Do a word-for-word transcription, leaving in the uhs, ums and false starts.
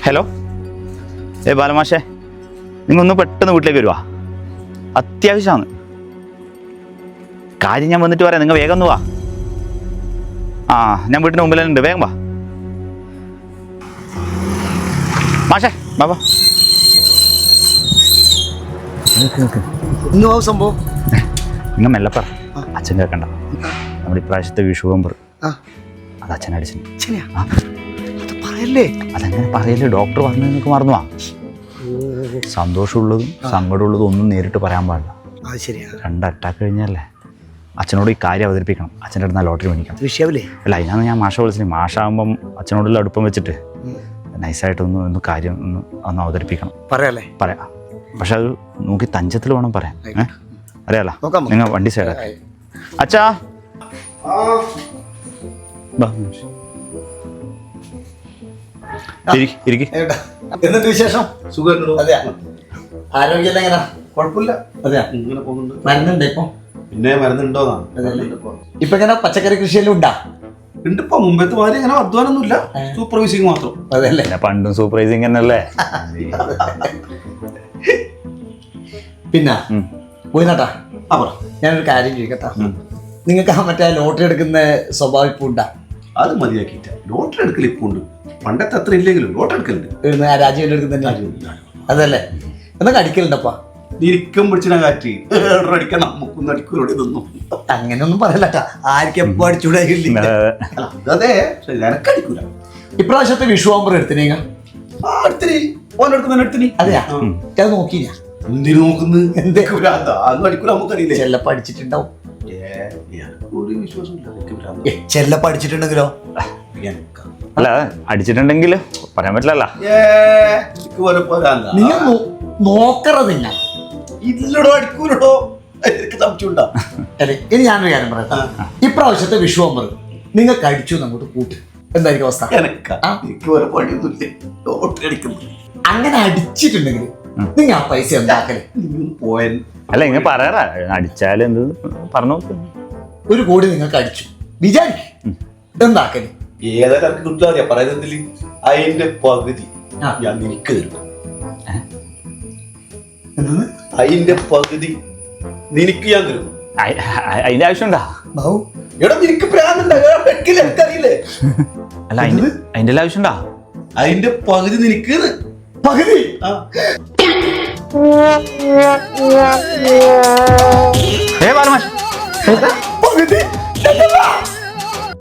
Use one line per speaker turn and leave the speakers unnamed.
Hello, ഏ ബാലമാഷേ, നിങ്ങളൊന്ന് പെട്ടെന്ന് വീട്ടിലേക്ക് വരുവാ, അത്യാവശ്യമാണ്. കാര്യം ഞാൻ വന്നിട്ട് പറയാം, നിങ്ങൾ വേഗം ഒന്ന് വാ. ആ, ഞാൻ വീട്ടിന് മുമ്പിൽ ഉണ്ട്, വേഗം വാ. മാഷേ ബാബാ,
സംഭവം
നിങ്ങൾ മെല്ലെ പറ, അച്ഛൻ കേൾക്കണ്ട. നമ്മുടെ ഇപ്രാവശ്യത്തെ വിഷു ബമ്പർ അത് അച്ഛൻ അടിച്ചു. അതങ്ങനെ പറയല്ലേ, ഡോക്ടർ പറഞ്ഞു നിനക്ക് മറന്നു. ആ സന്തോഷമുള്ളതും സങ്കടമുള്ളതും ഒന്നും നേരിട്ട് പറയാൻ പാടില്ല. രണ്ട് അറ്റാക്ക് കഴിഞ്ഞല്ലേ, അച്ഛനോട് ഈ കാര്യം അവതരിപ്പിക്കണം. അച്ഛൻ്റെ അടുത്ത് ലോട്ടറി മേടിക്കണം.
വിഷയമില്ലേ?
അല്ല, അതിനാണ് ഞാൻ മാഷ വിളിച്ചത്. മാഷാകുമ്പം അച്ഛനോടുള്ള അടുപ്പം വെച്ചിട്ട് നൈസായിട്ടൊന്ന് ഒന്ന് കാര്യം ഒന്ന് ഒന്ന് അവതരിപ്പിക്കണം. പറയാല്ലേ? പറയാം, പക്ഷെ അത് നോക്കി തഞ്ചത്തിൽ വേണം പറയാൻ. ഏഹ് അറിയാലോ, നിങ്ങൾ വണ്ടി സൈഡാ. അച്ഛാ
വിശേഷം? ആരോഗ്യം എങ്ങനെ? കുഴപ്പമില്ല. അതെയാ, ഇങ്ങനെ പോകുന്നുണ്ട്. മരുന്നുണ്ട് ഇപ്പൊ? പിന്നെ മരുന്നുണ്ടോന്നാണ്. ഇപ്പൊ എങ്ങനെ പച്ചക്കറി കൃഷിയെല്ലാം ഉണ്ടാ? ഉണ്ട്. ഇപ്പൊ മുമ്പത്തെ മാതിരി അങ്ങനെ അധ്വാനൊന്നുമില്ല, സൂപ്പർവൈസിങ് മാത്രം. അതല്ലേ,
പണ്ടും സൂപ്പർവൈസിങ് തന്നെയല്ലേ.
പിന്നെ പോയിനാട്ടാ, ഞാനൊരു കാര്യം ചോദിക്കട്ടാ, നിങ്ങൾക്ക് ആ മറ്റേ ലോട്ടറി എടുക്കുന്ന സ്വഭാവം ഇപ്പൊ ഉണ്ടാ?
അത് മതിയാക്കിട്ട ലോട്ടറി എടുക്കൽ ഇപ്പൊ ഉണ്ട്, പണ്ടത്തെ അത്ര ഇല്ലെങ്കിലും ലോട്ടറി എടുക്കലുണ്ട്.
രാജീവൻ എടുക്കുന്ന അതല്ലേ, എന്നൊക്കെ അടിക്കലുണ്ടപ്പാ?
നിരിക്കം പിടിച്ചിന കാറ്റ് അടിക്കാൻ നമുക്കൊന്നും അടിക്കൂലോടെ ഇതൊന്നും.
അങ്ങനെയൊന്നും പറയലട്ടാ, ആർക്കും എപ്പോ അടിച്ചൂടെ?
അതെ, എനക്ക് അടിക്കൂല.
ഇപ്രാവശ്യത്തെ വിഷു ആകുമ്പോൾ എടുത്തിനീ അതെയാ, അത് നോക്കിയില്ല.
എന്തിനു നോക്കുന്നത്? എന്തൊക്കെ അടിക്കൂല, നമുക്കറിയില്ല.
ചെല്ലപ്പ അടിച്ചിട്ടുണ്ടാവും.
ഒരു വിശ്വാസം
ചെല്ലപ്പ അടിച്ചിട്ടുണ്ടെങ്കിലോ?
അല്ല, അടിച്ചിട്ടുണ്ടെങ്കിൽ പറയാൻ പറ്റില്ലല്ലോ.
നിങ്ങൾ നോക്കറ നിങ്ങൾ
ഇതിലൂടെ അടിക്കൂലോ, സംശയമുണ്ടോ?
അല്ലെ, ഇനി ഞാനൊരു കാര്യം പറയാം. ഇപ്രാവശ്യത്തെ വിഷു ആകുമ്പോൾ നിങ്ങൾക്ക് അടിച്ചു അങ്ങോട്ട് കൂട്ട്, എന്തായിരിക്കും അവസ്ഥ? അങ്ങനെ അടിച്ചിട്ടുണ്ടെങ്കിൽ നിങ്ങൾ ആ പൈസ എന്താക്കല്?
പോയാൽ
അല്ല, ഇങ്ങനെ പറയാറാ, അടിച്ചാലും എന്ത് പറഞ്ഞു.
ഒരു കോടി നിങ്ങൾക്ക് അടിച്ചു വിചാരിക്കും, എന്താക്കല്?
ഏതാ കണക്ക് കിട്ടാറിയാ പറയുന്നതിൽ അതിന്റെ പകുതി ഞാൻ നിനക്ക് തരും. അതിന്റെ പകുതി നിനക്ക് ഞാൻ തരും.
അതിന്റെ ആവശ്യമുണ്ടാ?
എടാ, നിനക്ക് പ്രാന്തുണ്ടറിയില്ലേ?
അല്ല, അതിന്റെ ആവശ്യമുണ്ടാ?
അതിന്റെ പകുതി നിനക്ക്
പകുതി.
ഏ ബാലമാഷ്,
പകുതി